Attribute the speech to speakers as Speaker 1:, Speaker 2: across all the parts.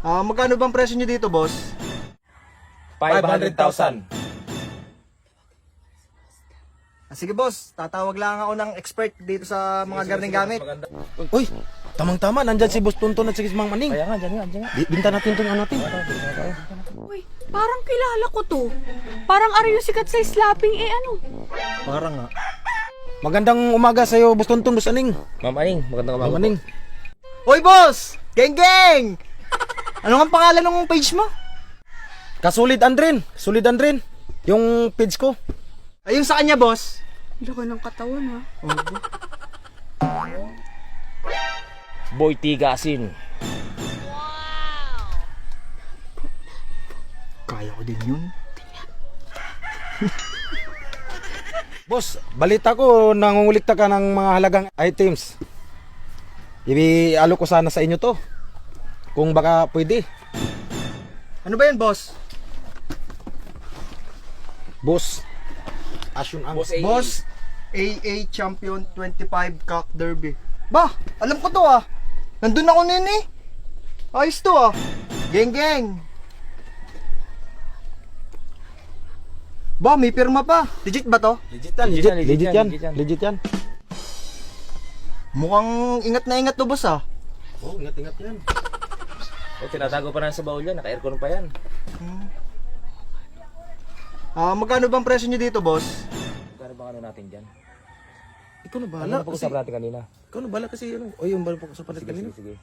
Speaker 1: Magkano bang presyo nyo dito, boss?
Speaker 2: 500,000.
Speaker 1: Sige, boss. Tatawag lang ako ng expert dito sa mga gardening gamit.
Speaker 3: Uy, tamang-tama, nandyan si Boss Tonton at si Mang Maning.
Speaker 2: Kaya nga, dyan nga.
Speaker 3: Binta natin itong ano natin.
Speaker 4: Uy, parang kilala ko to. Parang ari yung sikat sa slapping ano.
Speaker 1: Parang nga.
Speaker 3: Magandang umaga sa'yo, Boss Tonton, Boss Aning.
Speaker 2: Ma'am Aning, magandang
Speaker 3: Mang
Speaker 2: umaga
Speaker 3: Maning.
Speaker 1: Hoy, boss! Geng! Ano nga pangalan ng page mo?
Speaker 3: Kasulid Andrin, Solid Andrin. Yung page ko.
Speaker 1: Ayun sa kanya, boss.
Speaker 4: Laki ng katawan ha.
Speaker 2: Boy Tigasin.
Speaker 1: Kaya ko din yun.
Speaker 3: Boss, balita ko nangungulikta ka ng mga halagang items. Ibi-alo ko sana sa inyo to. Kung baka pwede.
Speaker 1: Ano ba yun, boss?
Speaker 3: Boss, Asyun ang
Speaker 1: Boss, AA Champion 25 Cock Derby. Ba, alam ko to ah. Nandun ako nun eh. Ayos to ah. Geng. Ba, may pirma pa. Legit ba to?
Speaker 3: Legit yan.
Speaker 1: Mukhang ingat na ingat to, boss ah.
Speaker 3: Oh, ingat yan.
Speaker 2: O, tinatago pa na sa baul yan. Naka-aircon pa yan.
Speaker 1: Magkano bang presyo nyo dito, boss?
Speaker 2: Magkano bang ano natin dyan?
Speaker 3: Ikaw na
Speaker 2: Ano
Speaker 3: bahala
Speaker 2: na
Speaker 3: kasi.
Speaker 2: pag-usap natin kanina?
Speaker 3: Ikaw na bahala kasi ano. O yung bahala po sa palit kanina.
Speaker 2: Sige.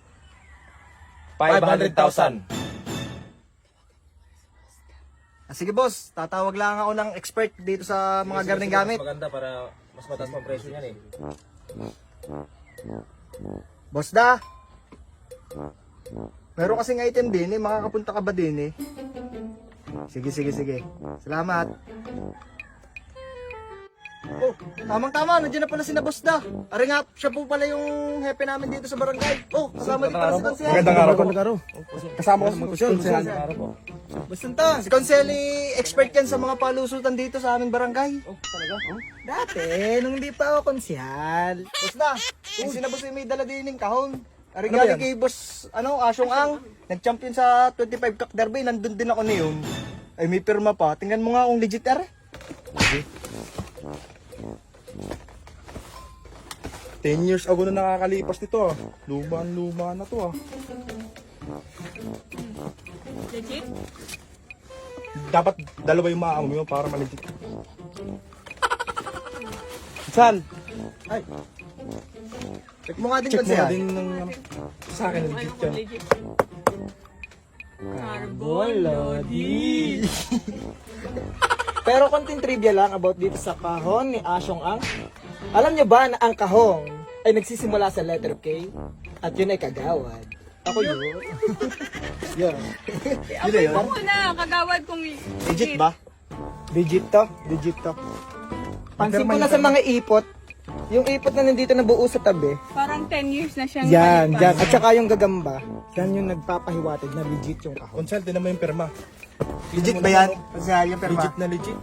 Speaker 2: 500,000.
Speaker 1: Sige, boss. Tatawag lang ako ng expert dito sa mga gardening gamit.
Speaker 2: Maganda para mas mataas pa ang presyo niyan eh.
Speaker 1: Boss da. Meron kasing item din eh. Makakapunta ka ba din eh? Sige. Salamat. Oh, tamang-tama. Nandiyan na pala si na boss da. Ari nga, siya po pala yung hepe namin dito sa barangay. Oh, kasama din pala si Konsehal.
Speaker 3: Magandang araw.
Speaker 1: Kasama ko si Konsehal. Basta si Konsehal expert yan sa mga palusutan dito sa aming barangay. Oh, talaga? Oh?
Speaker 5: Dati, nung hindi pa ako konsyal.
Speaker 1: Boss da, kung sinabos yung may dala din yung kahon. Ari galing kay boss, Asyong Ang, nag-champion sa 25 Cock Derby, nandun din ako niyon. Ay may pirma pa, tingnan mo nga kung legit are.
Speaker 6: 10 years ago na nakakalipas nito ah. Luma na to ah.
Speaker 4: Legit?
Speaker 6: Dapat dalawa yung maamo mo para maligit. Saan?
Speaker 1: Ay. Check mo nga din
Speaker 6: Check mo
Speaker 1: Konsehal.
Speaker 6: din ng ano. Sa akin legit yan.
Speaker 4: Legit. Carbon Lodi.
Speaker 5: Pero konting trivia lang about dito sa kahon ni Asyong Ang. Alam nyo ba na ang kahong ay nagsisimula sa letter K at yun ay kagawad? Ako yun. Yun.
Speaker 1: Yun na yun.
Speaker 4: Ako na, kagawad kong
Speaker 1: Legit ba?
Speaker 5: Legit to. Pansin ko na sa mga ipot, yung ipot na nandito na buo sa tabi,
Speaker 4: Parang 10 years na siyang
Speaker 5: yan.
Speaker 4: malipas.
Speaker 5: At saka yung gagamba, yan yung nagpapahiwatig na legit yung kahon.
Speaker 6: Consult din naman yung perma.
Speaker 1: Legit ba yan? Konsehal yung pirma.
Speaker 6: Legit na legit.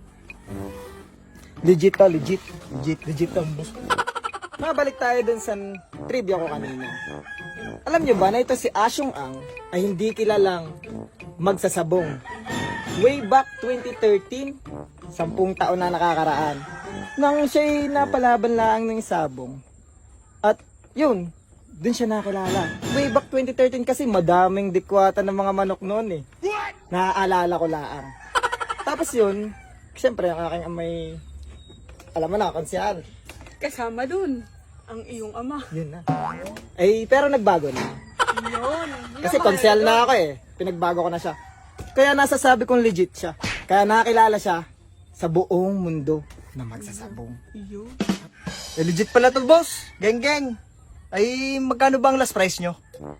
Speaker 5: Legit to. Mabalik tayo dun sa trivia ko kanina. Alam nyo ba na ito si Asyong Ang ay hindi kilalang magsasabong. Way back 2013, 10 taon na nakakaraan, nang siya'y napalaban lang ng sabong. At yun, dun siya nakilala. Way back 2013 kasi madaming dikwata ng mga manok noon eh. Naaalala ko laang. Tapos yun, siyempre ang aking amay, alam mo na, konsyal.
Speaker 4: Kasama dun, ang iyong ama.
Speaker 5: Yun na. Eh, pero nagbago na.
Speaker 4: Yun.
Speaker 5: Kasi konsyal na ako eh. Pinagbago ko na siya. Kaya nasasabi kong legit siya. Kaya nakakilala siya sa buong mundo na magsasabong.
Speaker 4: Yun.
Speaker 1: Legit pala to, boss. Geng. Ay, magkano ba ang last price nyo?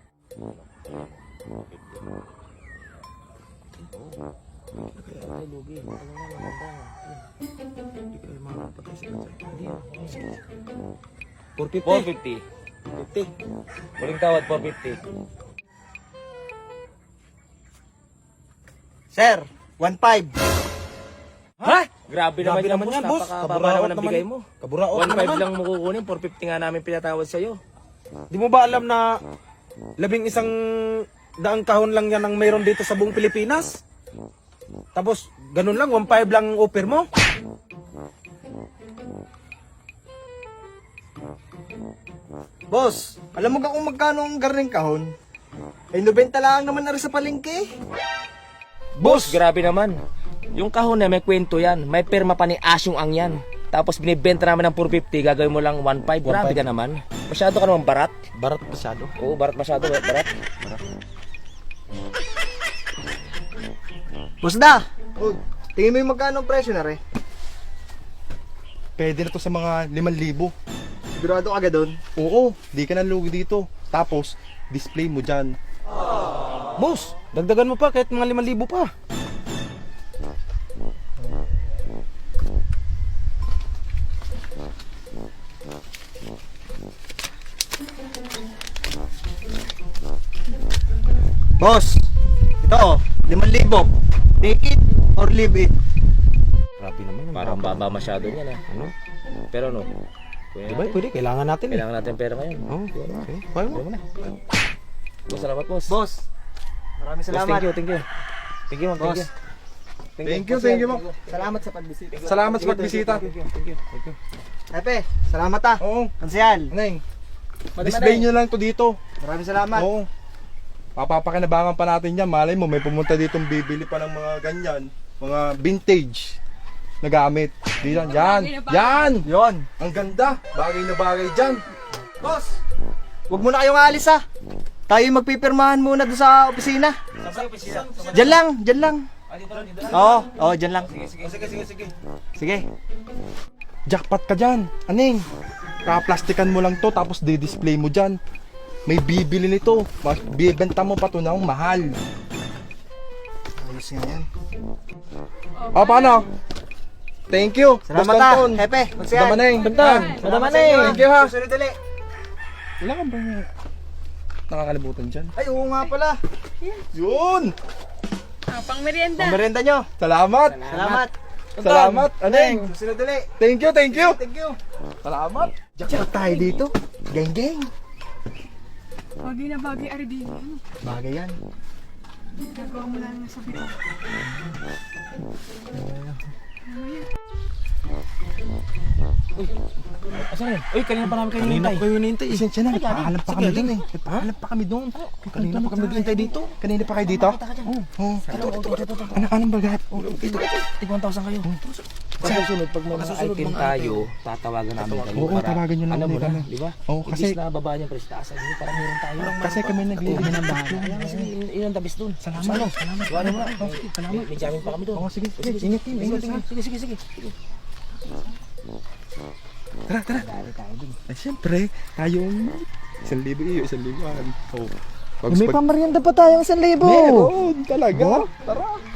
Speaker 5: $450.
Speaker 2: 450.
Speaker 5: 50.
Speaker 2: Muling tawad, 450.
Speaker 1: Sir, 1.5.
Speaker 2: Ha? Grabe naman yan, boss.
Speaker 6: yan, boss.
Speaker 2: Napakababa
Speaker 6: Kaburaot
Speaker 2: naman ang
Speaker 6: naman
Speaker 2: bigay
Speaker 6: yan.
Speaker 2: mo.
Speaker 6: Kaburaot
Speaker 2: 1.5
Speaker 6: naman.
Speaker 2: lang mo kukunin, 450 nga namin pinatawad sa'yo.
Speaker 6: Di mo ba alam na 11
Speaker 3: daang kahon lang yan ang mayroon dito sa buong Pilipinas. Tapos, ganun lang, 1.5 lang ang offer mo.
Speaker 1: Boss, alam mo ka kung magkano ang garning kahon? Ay 90 lang naman na rin sa palengke.
Speaker 2: Boss, grabe naman. Yung kahon na may kwento yan. May perma pa ni Asyong Ang yan. Tapos binibenta namin ng 450, gagawin mo lang 1.5. Grabe ka naman. Masyado ka naman barat.
Speaker 3: Barat masyado.
Speaker 2: Oo, barat masyado. Barat.
Speaker 1: Boss da! Oh, tingin mo yung magkano ang presyo na rin?
Speaker 6: Pwede na to sa mga 5,000.
Speaker 1: Sigurado ka agad doon?
Speaker 6: Oo, di ka na lugi dito. Tapos, display mo dyan.
Speaker 3: Boss, dagdagan mo pa kahit mga 5,000 pa.
Speaker 1: Boss, ito, 5,000. Take it or leave it.
Speaker 3: Grabe naman.
Speaker 2: Parang baba masyado niya na.
Speaker 3: Ano?
Speaker 2: Pero ano? Kuya
Speaker 3: Diba,
Speaker 2: natin.
Speaker 3: pwede, kailangan natin eh.
Speaker 2: Kailangan natin pera ngayon.
Speaker 3: Oo, okay. Kaya mo.
Speaker 2: Boss, salamat boss.
Speaker 1: Boss, maraming
Speaker 2: Boss,
Speaker 1: salamat.
Speaker 2: thank you, thank you. Thank you, ma'am. Thank
Speaker 1: Boss.
Speaker 2: you.
Speaker 6: Thank you, Ma'am.
Speaker 1: Salamat sa pagbisita.
Speaker 6: Salamat sa pagbisita.
Speaker 1: Epe, salamat ah.
Speaker 6: Oo,
Speaker 1: Ansel,
Speaker 6: Neng. Display nyo lang to dito.
Speaker 1: maraming salamat.
Speaker 6: Oo. Papapakinabangan pa natin yan. Malay mo, may pumunta ditong bibili pa ng mga ganyan. Mga vintage na gamit. Dito, yan. Yan!
Speaker 1: Yon.
Speaker 6: Ang ganda. Bagay na bagay dyan.
Speaker 1: Boss, huwag muna kayong aalis ah. Tayo magpipirmahan muna doon sa opisina. Diyan lang, diyan lang. Oo, diyan lang. Sige.
Speaker 6: Jackpot ka dyan. Aning, kaplastikan mo lang to tapos di-display mo dyan. May bibili nito. Bibenta mo pa to ng mahal.
Speaker 1: Ayos nga yan.
Speaker 6: O, paano? Thank you.
Speaker 1: Salamat
Speaker 6: Boss
Speaker 1: ah,
Speaker 6: Tonton.
Speaker 1: Hepe.
Speaker 6: Madama Neng.
Speaker 1: Bentang.
Speaker 6: Madama Neng. Thank you ha.
Speaker 1: Susunod ulit.
Speaker 6: Wala kang bang nakakalimutan dyan?
Speaker 1: Ay, oo nga pala.
Speaker 6: Yun!
Speaker 4: Pang merienda.
Speaker 1: Pamerienda nyo.
Speaker 6: Salamat!
Speaker 1: Salamat.
Speaker 6: Salamat, Aneng!
Speaker 1: Susunod ulit.
Speaker 6: Thank you, thank you!
Speaker 1: Thank you.
Speaker 6: Salamat!
Speaker 1: Jackpot tayo dito. Geng geng.
Speaker 4: Bagay na bagay, Ardin.
Speaker 1: Bagay yan.
Speaker 4: Nagawa mo lang sa video.
Speaker 2: Asan yun? Uy, kanina pa namin kayo
Speaker 3: Kanina
Speaker 2: hinihintay.
Speaker 3: ko yung hinihintay.
Speaker 6: Isensya na, nagpaalam pa kami dun eh. Nagpaalam pa kami dun. Kanina pa kami naghihintay dito. Kanina pa kayo dito? Oo. Anong bagat?
Speaker 2: Tig 1,000 kayo. Sa susunod, pag may mga item tayo, tatawagan namin kayo.
Speaker 6: Oo, tawagan nyo lang
Speaker 2: Alam mo
Speaker 6: ulit
Speaker 2: na,
Speaker 6: kami.
Speaker 2: di ba?
Speaker 6: Oo, kasi-
Speaker 2: Imbis na babaan yung presyo, taasan nyo, parang meron tayo.
Speaker 6: Kasi kami naglilinis ng bahay.
Speaker 2: Kaya kasi yun ang tabis dun.
Speaker 6: Salamat. Salamat.
Speaker 2: Wala mo na. May jamming pa kami dun.
Speaker 6: Oo, sige. Ingat team. Ingat ha.
Speaker 2: Sige.
Speaker 6: Tara, tara. Ay, siyempre, tayo 1,000 iyo, 1,000. Oh.
Speaker 5: May pamarienda pa tayong 1,000.
Speaker 6: Meron talaga. Tara.